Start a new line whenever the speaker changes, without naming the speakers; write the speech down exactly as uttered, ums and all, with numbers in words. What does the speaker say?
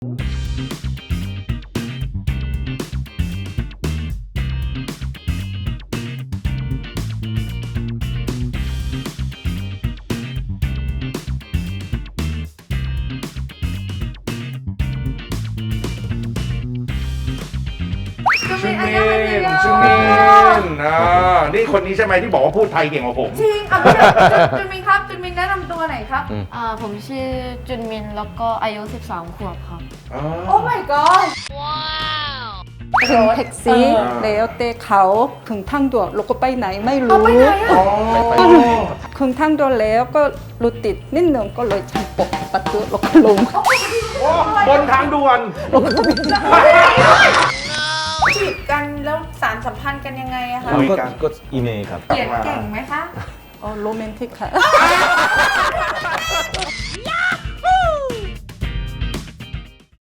ชื่อมินชื่อมินอ่านี่คนนี้ใช่ไหมที่บอกว่าพูดไทยเก่งกว่าผม
จริงอ่ะพี่จุนมินครับจุนมินแนะนำตัวหน่อยครับ
อ่าผมชื่อจุนมินแล้วก็อายุสิบสามขวบครับ
โอ้ my god
ขึ้นแท็กซี่แล้วเตะเขาถึงทางด่วนเราก็ไปไหนไม่
เอา
รู้
ไปไหนอ่ะ
ก็เลยถึงทางด่วนแล้วก็รถติดนิดหนึ่งก็เลยชันปกประตูแล้วก็ลง
บนทางด่วน
จีบกันแล้วสารสัมพันธ์กันยังไงอะคะ
คุยกัน
ก็อีเมลครับ
เขียนเก่งไหมคะ
อ๋อโรแมนติกค่ะ